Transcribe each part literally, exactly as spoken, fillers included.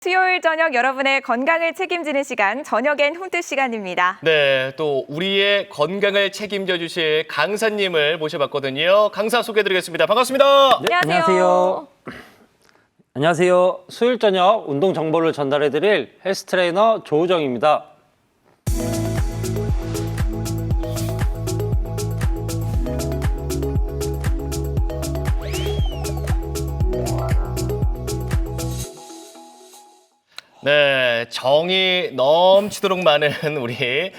수요일 저녁 여러분의 건강을 책임지는 시간, 저녁엔 홈트 시간입니다. 네, 또 우리의 건강을 책임져 주실 강사님을 모셔봤거든요. 강사 소개해드리겠습니다. 반갑습니다. 네, 안녕하세요. 안녕하세요. 안녕하세요. 수요일 저녁 운동 정보를 전달해드릴 헬스 트레이너 조우정입니다. 네, 정이 넘치도록 많은 우리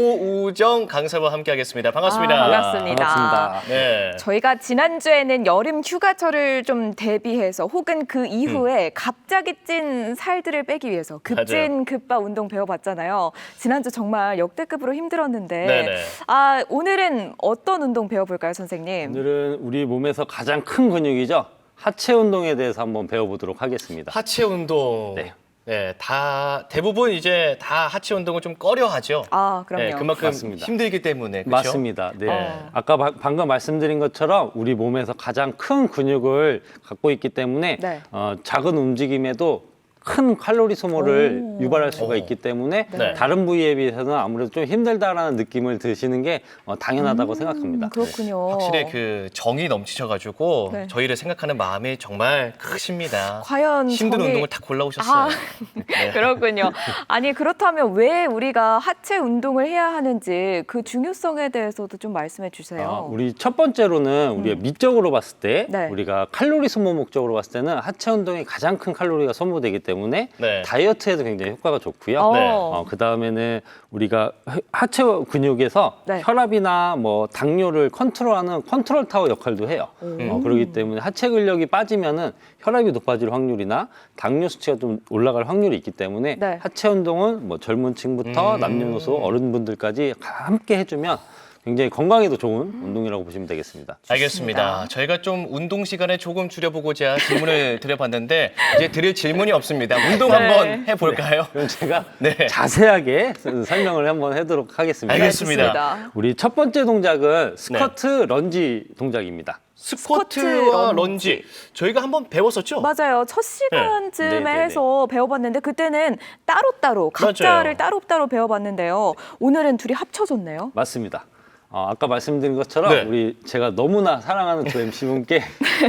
조우정 강사와 함께하겠습니다. 반갑습니다. 아, 반갑습니다. 반갑습니다. 네. 저희가 지난주에는 여름 휴가철을 좀 대비해서 혹은 그 이후에 음. 갑자기 찐 살들을 빼기 위해서 급진 급바 운동 배워봤잖아요. 지난주 정말 역대급으로 힘들었는데 네네. 아 오늘은 어떤 운동 배워볼까요, 선생님? 오늘은 우리 몸에서 가장 큰 근육이죠. 하체 운동에 대해서 한번 배워보도록 하겠습니다. 하체 운동. 네. 네, 다 대부분 이제 다 하체 운동을 좀 꺼려하죠. 아 그럼요. 네, 그만큼 맞습니다. 힘들기 때문에. 그렇죠? 맞습니다. 네. 어. 아까 바- 방금 말씀드린 것처럼 우리 몸에서 가장 큰 근육을 갖고 있기 때문에 네. 어, 작은 움직임에도 큰 칼로리 소모를 오. 유발할 수가 오. 있기 때문에 네. 다른 부위에 비해서는 아무래도 좀 힘들다라는 느낌을 드시는 게 어, 당연하다고 생각합니다. 음, 그렇군요. 확실히 그 정이 넘치셔가지고 네. 저희를 생각하는 마음이 정말 크십니다. 과연 힘든 정이- 운동을 다 골라오셨어요. 아, 네. 그렇군요. 아니 그렇다면 왜 우리가 하체 운동을 해야 하는지 그 중요성에 대해서도 좀 말씀해 주세요. 아, 우리 첫 번째로는 우리가 미적으로 봤을 때 네. 우리가 칼로리 소모 목적으로 봤을 때는 하체 운동이 가장 큰 칼로리가 소모되기 때문에 네. 다이어트에도 굉장히 효과가 좋고요. 어. 네. 어, 그 다음에는 우리가 하- 하체 근육에서 네. 혈압이나 뭐 당뇨를 컨트롤하는 컨트롤 타워 역할도 해요. 어, 그렇기 때문에 하체 근력이 빠지면은 혈압이 높아질 확률이나 당뇨 수치가 좀 올라갈 확률이 있기 때문에 네. 하체 운동은 뭐 젊은 층부터 음. 남녀노소 어른분들까지 함께 해주면 굉장히 건강에도 좋은 운동이라고 보시면 되겠습니다. 알겠습니다. 저희가 좀 운동 시간에 조금 줄여보고자 질문을 드려봤는데 이제 드릴 질문이 없습니다. 운동 네. 한번 해볼까요? 그럼 제가 네. 자세하게 설명을 한번 하도록 하겠습니다. 알겠습니다. 좋습니다. 우리 첫 번째 동작은 스쿼트 런지 동작입니다. 스쿼트, 스쿼트와 런지. 런지 저희가 한번 배웠었죠? 맞아요. 첫 시간쯤에 네, 네, 네. 해서 배워봤는데 그때는 따로따로 각자를 맞아요. 따로따로 배워봤는데요. 오늘은 둘이 합쳐졌네요. 맞습니다. 어, 아까 말씀드린 것처럼 네. 우리 제가 너무나 사랑하는 두 엠씨분께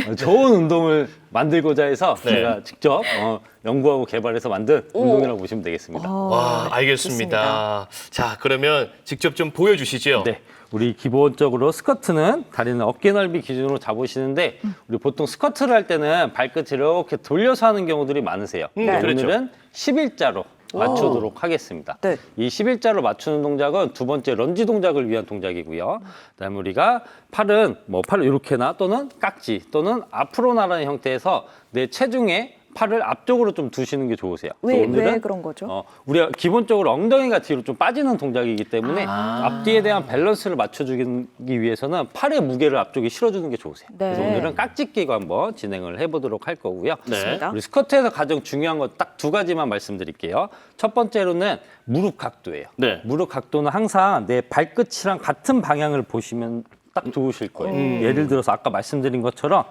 좋은 운동을 만들고자 해서 네. 제가 직접 어, 연구하고 개발해서 만든 오. 운동이라고 보시면 되겠습니다. 아, 와, 알겠습니다. 자, 그러면 직접 좀 보여주시죠. 네. 우리 기본적으로 스쿼트는 다리는 어깨 넓이 기준으로 잡으시는데 우리 보통 스쿼트를 할 때는 발끝을 이렇게 돌려서 하는 경우들이 많으세요. 음, 근데 그렇죠. 오늘은 십일자로 맞추도록 하겠습니다. 네. 이 십일자로 맞추는 동작은 두 번째 런지 동작을 위한 동작이고요. 그다음에 우리가 팔은 뭐 팔을 이렇게나 또는 깍지 또는 앞으로 나라는 형태에서 내 체중에 팔을 앞쪽으로 좀 두시는 게 좋으세요. 왜, 그래서 오늘은 왜 그런 거죠? 어, 우리가 기본적으로 엉덩이가 뒤로 좀 빠지는 동작이기 때문에 아. 앞뒤에 대한 밸런스를 맞춰주기 위해서는 팔의 무게를 앞쪽에 실어주는 게 좋으세요. 네. 그래서 오늘은 깍지 끼고 한번 진행을 해보도록 할 거고요. 좋습니다. 우리 스쿼트에서 가장 중요한 건 딱 두 가지만 말씀드릴게요. 첫 번째로는 무릎 각도예요. 네. 무릎 각도는 항상 내 발끝이랑 같은 방향을 보시면 딱 좋으실 거예요. 음. 예를 들어서 아까 말씀드린 것처럼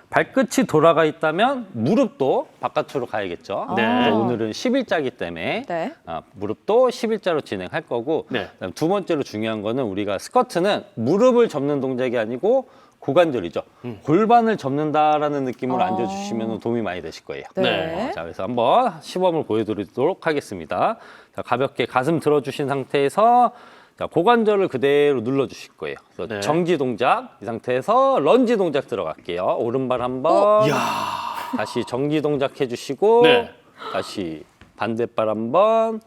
발끝이 돌아가 있다면 무릎도 바깥으로 가야겠죠. 네. 그래서 오늘은 십일자이기 때문에 네. 아, 무릎도 십일자로 진행할 거고 네. 그다음 두 번째로 중요한 거는 우리가 스쿼트는 무릎을 접는 동작이 아니고 고관절이죠. 골반을 접는다라는 느낌으로 아. 앉아주시면 도움이 많이 되실 거예요. 네. 어, 자, 그래서 한번 시범을 보여드리도록 하겠습니다. 자, 가볍게 가슴 들어주신 상태에서 자, 고관절을 그대로 눌러주실 거예요. 그래서 네. 정지 동작, 이 상태에서 런지 동작 들어갈게요. 오른발 한번, 이야. 다시 정지 동작 해주시고, 네. 다시 반대발 한번,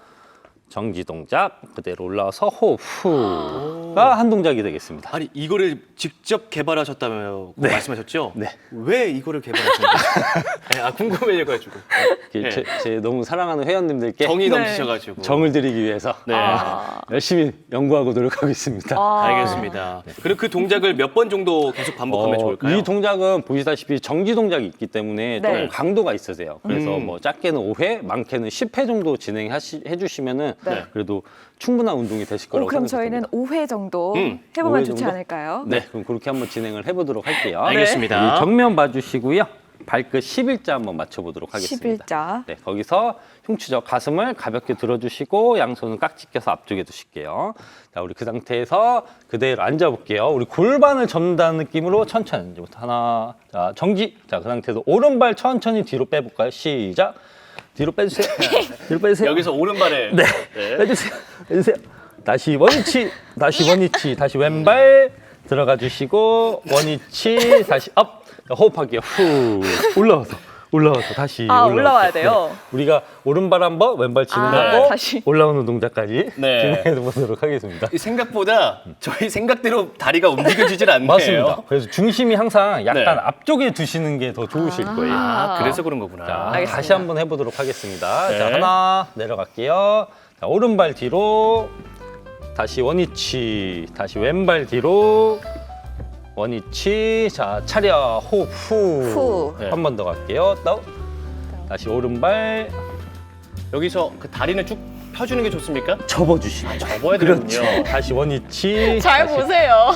정지 동작 그대로 올라와서 호흡가 한 동작이 되겠습니다. 아니, 이거를 직접 개발하셨다며 네. 말씀하셨죠? 네. 왜 이거를 개발하셨는지. 네, 아, 궁금해져가지고. 이게 네. 제, 제 너무 사랑하는 회원님들께 정이 네. 넘치셔가지고. 정을 드리기 위해서 네. 아, 열심히 연구하고 노력하고 있습니다. 아. 알겠습니다. 그리고 그 동작을 몇 번 정도 계속 반복하면 어, 좋을까요? 이 동작은 보시다시피 정지 동작이 있기 때문에 네. 조금 강도가 있으세요. 그래서 음. 뭐 작게는 오 회, 많게는 십 회 정도 진행해 주시면은 네. 그래도 충분한 운동이 되실 오, 거라고 그럼 생각합니다. 저희는 오 회 정도 음, 해보면 오 회 좋지 정도? 않을까요? 네, 그럼 그렇게 한번 진행을 해보도록 할게요. 알겠습니다. 우리 정면 봐주시고요. 발끝 십일자 한번 맞춰보도록 하겠습니다. 십일자. 네, 거기서 흉추죠. 가슴을 가볍게 들어주시고 양손은 깍지 껴서 앞쪽에 두실게요. 자, 우리 그 상태에서 그대로 앉아볼게요. 우리 골반을 접는다는 느낌으로 천천히 이제부터 하나, 자 정지. 자, 그 상태에서 오른발 천천히 뒤로 빼볼까요? 시작. 뒤로 빼주세요. 뒤로 빼주세요. 여기서 오른발에 네, 네. 빼주세요. 빼주세요. 다시 원위치, 다시 원위치, 다시 왼발 들어가 주시고 원위치, 다시 업. 호흡할게요. 후 올라와서 올라와서 다시 아, 올라와서. 올라와야 돼요? 네. 우리가 오른발 한번 왼발 진행하고 아, 다시. 올라오는 동작까지 네. 진행해 보도록 하겠습니다. 이 생각보다 저희 생각대로 다리가 움직여지질 않네요. 맞습니다. 그래서 중심이 항상 약간 네. 앞쪽에 두시는 게 더 좋으실 거예요. 아, 아. 그래서 그런 거구나. 자, 알겠습니다. 다시 한번 해보도록 하겠습니다. 네. 자, 하나 내려갈게요. 자, 오른발 뒤로 다시 원위치, 다시 왼발 뒤로 원위치. 자, 차려 호흡 후. 후. 네. 한 번 더 갈게요. 또 다시 오른발 여기서 그 다리는 쭉 펴주는 게 좋습니까? 접어주시면 접어야 그렇죠. 되는군요. 다시 원위치. 잘 다시, 보세요.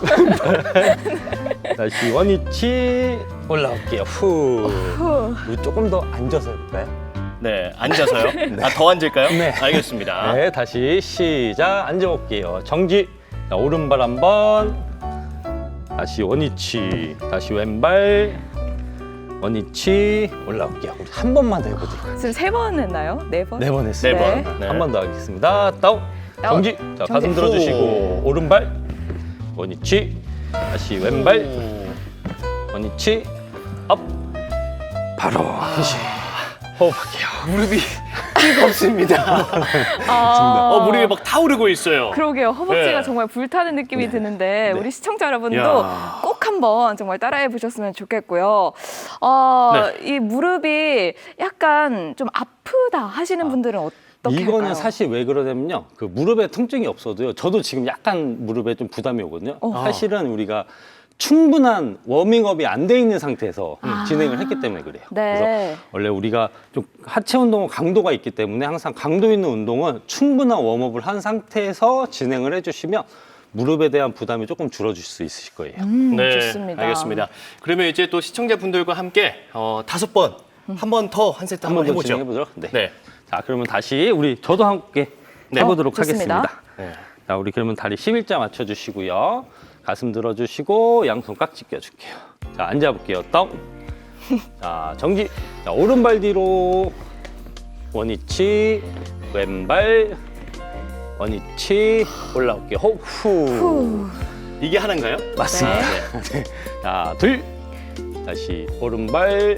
다시 원위치 올라올게요. 후. 후. 우리 조금 더 앉아서 해볼까요? 네, 앉아서요. 아, 더 앉을까요? 네. 알겠습니다. 네, 다시 시작. 앉아볼게요. 정지. 자, 오른발 한번. 다시 원위치. 다시 왼발. 원위치. 올라올게요. 우리 한 번만 더 해보도록 하겠습니다. 지금 세 번 했나요? 네 번? 네 번 네 했어요. 번. 네. 한 번 더 하겠습니다. 다운. 다운. 정지. 자, 정지. 가슴 들어주시고 오. 오른발. 원위치. 다시 왼발. 오. 원위치. 업. 바로 휴식. 호흡할게요. 무릎이 뜨겁습니다. 아, 어, 무릎이 막 타오르고 있어요. 그러게요. 허벅지가 네. 정말 불타는 느낌이 드는데 우리 시청자 여러분도 야. 꼭 한번 정말 따라해 보셨으면 좋겠고요. 어, 네. 이 무릎이 약간 좀 아프다 하시는 분들은 어떻게 이거는 할까요? 사실 왜 그러냐면요. 그 무릎에 통증이 없어도요. 저도 지금 약간 무릎에 좀 부담이 오거든요. 어. 사실은 우리가 충분한 워밍업이 안 돼 있는 상태에서 아. 진행을 했기 때문에 그래요. 네. 그래서 원래 우리가 좀 하체 운동은 강도가 있기 때문에 항상 강도 있는 운동은 충분한 웜업을 한 상태에서 진행을 해주시면 무릎에 대한 부담이 조금 줄어질 수 있으실 거예요. 음, 네, 좋습니다. 알겠습니다. 그러면 이제 또 시청자분들과 함께 어, 다섯 번, 한 번 더 한 세트 한 한번 번 더 해보죠. 진행해 보도록. 네. 네. 자, 그러면 다시 우리 저도 함께 네. 해보도록 어, 좋습니다. 하겠습니다. 네. 자, 우리 그러면 다리 십일자 맞춰주시고요. 가슴 들어주시고 양손 깍지 껴줄게요. 자, 앉아볼게요. 다운. 자, 정지. 자, 오른발 뒤로 원위치, 왼발 원위치 올라올게요. 호흡 후. 후. 이게 하나인가요? 맞습니다. 네. 자, 둘. 다시 오른발.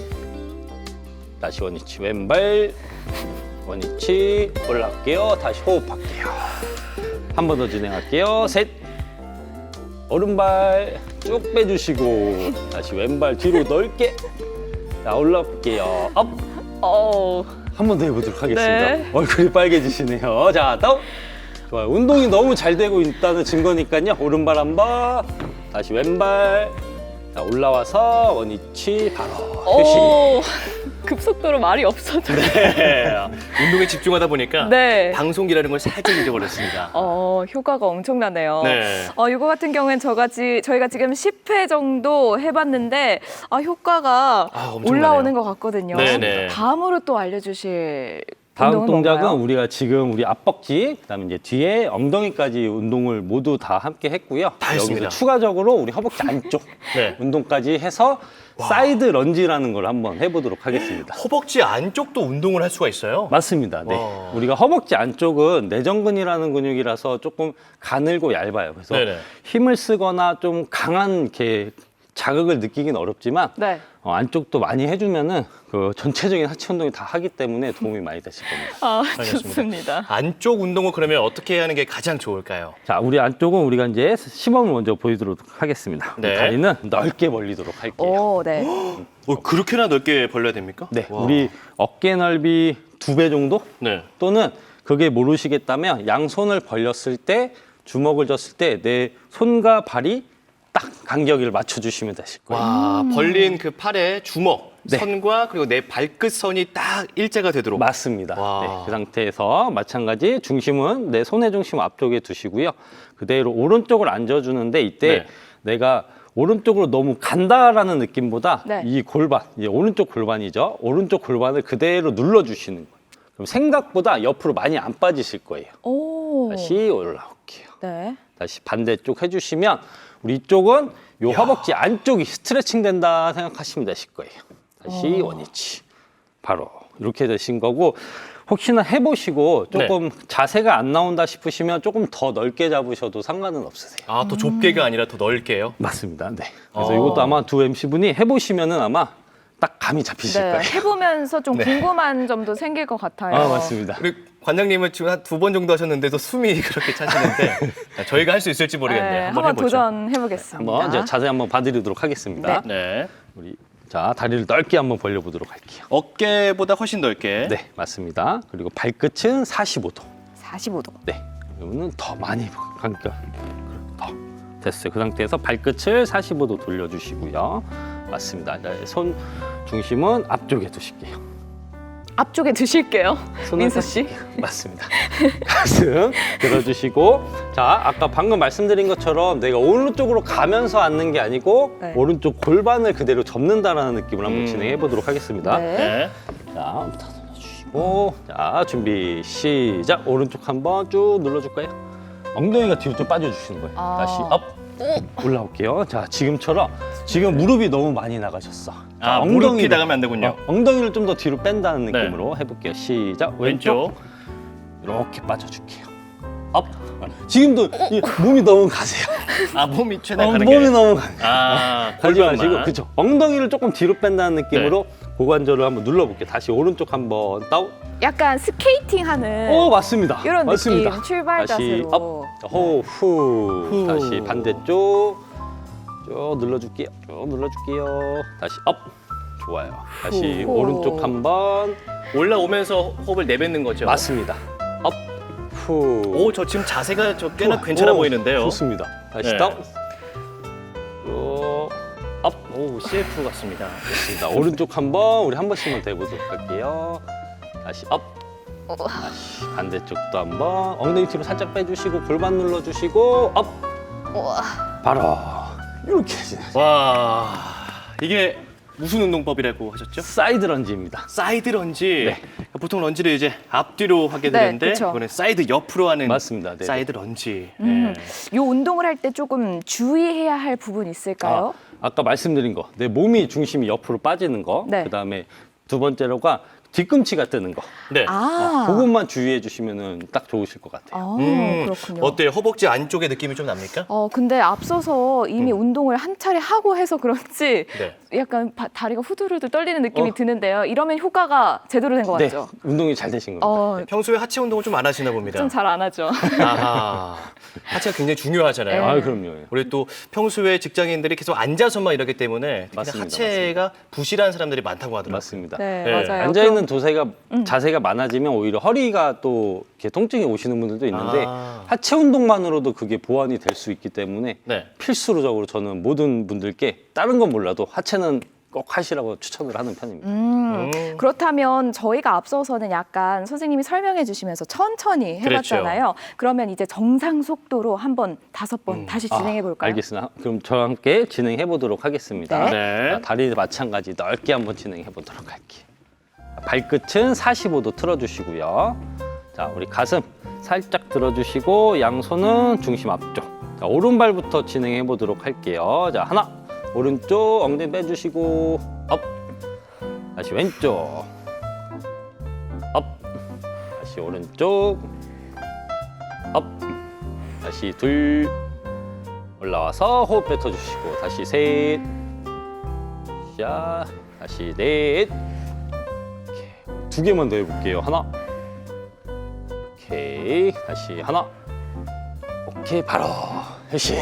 다시 원위치, 왼발 원위치 올라올게요. 다시 호흡할게요. 한 번 더 진행할게요. 셋. 오른발 쭉 빼주시고 다시 왼발 뒤로 넓게. 자, 올라올게요. 업. 어, 한 번 더 해보도록 하겠습니다. 네. 얼굴이 빨개지시네요. 자, 다운. 좋아요. 운동이 너무 잘 되고 있다는 증거니까요. 오른발 한 번. 다시 왼발. 자, 올라와서 원위치 바로 휴식. 오, 급속도로 말이 없어져. 네. 운동에 집중하다 보니까 네. 방송기라는 걸 살짝 잊어버렸습니다. 어, 효과가 엄청나네요. 네. 어, 이거 같은 경우엔 저가 지, 저희가 지금 십 회 정도 해봤는데 아, 효과가 아, 엄청나네요. 올라오는 것 같거든요. 네네. 다음으로 또 알려주실 다음 운동은 동작은 뭔가요? 우리가 지금 우리 앞벅지, 그다음에 이제 뒤에 엉덩이까지 운동을 모두 다 함께 했고요. 다 했습니다. 여기서 추가적으로 우리 허벅지 안쪽 네. 운동까지 해서 사이드 런지라는 걸 한번 해보도록 하겠습니다. 허벅지 안쪽도 운동을 할 수가 있어요? 맞습니다. 네. 와. 우리가 허벅지 안쪽은 내전근이라는 근육이라서 조금 가늘고 얇아요. 그래서 네네. 힘을 쓰거나 좀 강한 이렇게 자극을 느끼긴 어렵지만 네. 어, 안쪽도 많이 해주면은 그 전체적인 하체 운동이 다 하기 때문에 도움이 많이 되실 겁니다. 아, 알겠습니다. 좋습니다. 안쪽 운동은 그러면 어떻게 하는 게 가장 좋을까요? 자, 우리 안쪽은 우리가 이제 시범을 먼저 보여드리도록 하겠습니다. 우리 네. 다리는 넓게 벌리도록 할게요. 오, 네. 어, 그렇게나 넓게 벌려야 됩니까? 네, 와. 우리 어깨 넓이 두 배 정도? 네. 또는 그게 모르시겠다면 양손을 벌렸을 때 주먹을 졌을 때 내 손과 발이 딱 간격을 맞춰주시면 되실 거예요. 와, 벌린 그 팔의 주먹, 네. 선과 그리고 내 발끝선이 딱 일자가 되도록. 맞습니다. 와. 네, 그 상태에서 마찬가지 중심은 내 손의 중심 앞쪽에 두시고요. 그대로 오른쪽을 앉아주는데 이때 네. 내가 오른쪽으로 너무 간다라는 느낌보다 네. 이 골반, 이 오른쪽 골반이죠. 오른쪽 골반을 그대로 눌러주시는 거예요. 그럼 생각보다 옆으로 많이 안 빠지실 거예요. 오. 다시 올라올게요. 네. 다시 반대쪽 해주시면 우리 이쪽은 요 허벅지 안쪽이 스트레칭 된다 생각하시면 되실 거예요. 다시 어. 원위치. 바로 이렇게 되신 거고 혹시나 해보시고 조금 자세가 안 나온다 싶으시면 조금 더 넓게 잡으셔도 상관은 없으세요. 아, 또 좁게가 아니라 더 넓게요? 맞습니다. 네. 그래서 어. 이것도 아마 두 엠씨분이 해보시면은 아마 딱 감이 잡히실 네. 거예요. 해보면서 좀 네. 궁금한 점도 생길 것 같아요. 아, 맞습니다. 우리 관장님은 지금 한 두 번 정도 하셨는데도 숨이 그렇게 차시는데 저희가 할 수 있을지 모르겠네요. 네, 한번 한번 해보죠. 도전해보겠습니다. 한번 이제 자세 한번 봐드리도록 하겠습니다. 네. 우리 자 다리를 넓게 한번 벌려보도록 할게요. 어깨보다 훨씬 넓게. 네, 맞습니다. 그리고 발끝은 사십오 도. 사십오 도. 네, 그러면은 더 많이 그러니까 더 됐어요. 그 상태에서 발끝을 사십오 도 돌려주시고요. 맞습니다. 네, 손 중심은 앞쪽에 두실게요. 앞쪽에 드실게요. 손을 민수 딱- 씨. 맞습니다. 가슴 들어주시고 자 아까 방금 말씀드린 것처럼 내가 오른쪽으로 가면서 앉는 게 아니고 네. 오른쪽 골반을 그대로 접는다라는 느낌으로 한번 음. 진행해 보도록 하겠습니다. 네. 네. 자, 다 눌러주시고 자 준비 시작. 오른쪽 한번 쭉 눌러줄까요? 엉덩이가 뒤로 좀 빠져주시는 거예요. 아. 다시 업 올라올게요. 자 지금처럼 지금 무릎이 너무 많이 나가셨어. 자, 아, 무릎이 엉덩이를- 나가면 안 되군요. 어, 엉덩이를 좀 더 뒤로 뺀다는 네. 느낌으로 해볼게요. 시작. 왼쪽. 왼쪽 이렇게 빠져줄게요. 업. 지금도 이 몸이 너무 가세요. 아, 몸이 최대한 어, 가는 몸이 게. 너무 가. 아, 하지 골반만. 마시고 그쵸. 엉덩이를 조금 뒤로 뺀다는 느낌으로 고관절을 한번 눌러볼게요. 다시 오른쪽 한번 다운. 약간 스케이팅 하는 오 맞습니다. 네. 이런 맞습니다. 느낌, 출발 다시 자세로. 업, 호, 후. 후. 다시 반대쪽 쭉 눌러줄게요. 쭉 눌러줄게요. 다시 업. 좋아요. 다시 후. 오른쪽 한번. 올라오면서 호흡을 내뱉는 거죠. 맞습니다. 업, 후. 오, 저 지금 자세가 저 꽤나 좋아. 괜찮아 오, 보이는데요. 좋습니다. 다시 네. 다운. 쭉 업. 오, 씨에프 같습니다. 좋습니다. 오른쪽 한번 우리 한 번씩만 대보도록 할게요. 다시 업. 다시 반대쪽도 한번 엉덩이 뒤로 살짝 빼주시고 골반 눌러주시고 업. 바로 이렇게 진행. 와, 이게 무슨 운동법이라고 하셨죠? 사이드 런지입니다. 사이드 런지. 네. 보통 런지를 이제 앞뒤로 하게 네, 되는데 그쵸. 이번에 사이드 옆으로 하는 맞습니다. 네. 사이드 런지. 음, 네. 이 운동을 할 때 조금 주의해야 할 부분 있을까요? 아, 아까 말씀드린 거, 내 몸이 중심이 옆으로 빠지는 거, 네. 그다음에 두 번째로가 뒤꿈치가 뜨는 거. 네. 아, 그것만 주의해 주시면은 딱 좋으실 것 같아요. 아, 음, 그렇군요. 어때요? 허벅지 안쪽에 느낌이 좀 납니까? 어, 근데 앞서서 이미 운동을 한 차례 하고 해서 그런지 네. 약간 바- 다리가 후들후들 떨리는 느낌이 어. 드는데요. 이러면 효과가 제대로 된 것 네, 같죠? 운동이 잘 되신 겁니다. 어, 평소에 하체 운동을 좀 안 하시나 봅니다. 좀 잘 안 하죠. 아하. 하체가 굉장히 중요하잖아요. 네. 아, 그럼요. 우리 또 평소에 직장인들이 계속 앉아서만 이러기 때문에 특히 맞습니다, 하체가 부실한 사람들이 많다고 하더라고요. 맞습니다. 네, 네. 맞아요. 앉아 있는 도세가 음. 자세가 많아지면 오히려 허리가 또 이렇게 통증이 오시는 분들도 있는데 아. 하체 운동만으로도 그게 보완이 될 수 있기 때문에 네. 필수적으로 저는 모든 분들께 다른 건 몰라도 하체는 꼭 하시라고 추천을 하는 편입니다. 음, 음. 그렇다면 저희가 앞서서는 약간 선생님이 설명해 주시면서 천천히 해봤잖아요. 그러면 이제 정상 속도로 한번 다섯 번 다시 진행해 볼까요? 아, 알겠습니다. 그럼 저와 함께 진행해 보도록 하겠습니다. 네. 네. 자, 다리 마찬가지 넓게 한번 진행해 보도록 할게요. 발끝은 사십오 도 틀어주시고요. 자, 우리 가슴 살짝 들어주시고 양손은 중심 앞쪽. 자, 오른발부터 진행해 보도록 할게요. 자, 하나, 오른쪽 엉덩이 빼주시고 업. 다시 왼쪽 업. 다시 오른쪽 업. 다시 둘. 올라와서 호흡 뱉어주시고 다시 셋. 자, 다시 넷. 두 개만 더 해볼게요. 하나. 오케이. 다시 하나. 오케이. 바로 해시.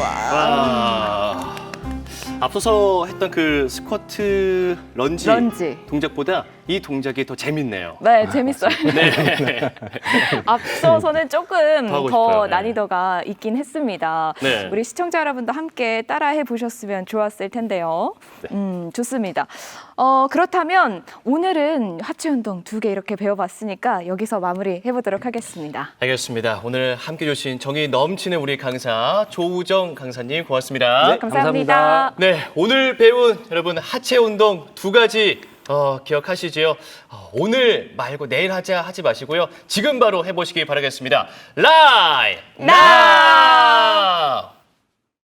와. 앞서서 했던 그 스쿼트 런지, 런지. 동작보다 이 동작이 더 재밌네요. 네, 재밌어요. 네. 앞서서는 조금 더 하고 더 싶어요. 네. 난이도가 있긴 했습니다. 네. 우리 시청자 여러분도 함께 따라해 보셨으면 좋았을 텐데요. 음, 좋습니다. 어, 그렇다면 오늘은 하체 운동 두 개 이렇게 배워봤으니까 여기서 마무리 해보도록 하겠습니다. 알겠습니다. 오늘 함께 해주신 정이 넘치는 우리 강사 조우정 강사님 고맙습니다. 네. 감사합니다. 감사합니다. 네, 오늘 배운 여러분 하체 운동 두 가지 어, 기억하시지요? 어, 오늘 말고 내일 하자 하지 마시고요. 지금 바로 해보시기 바라겠습니다. 라이 나!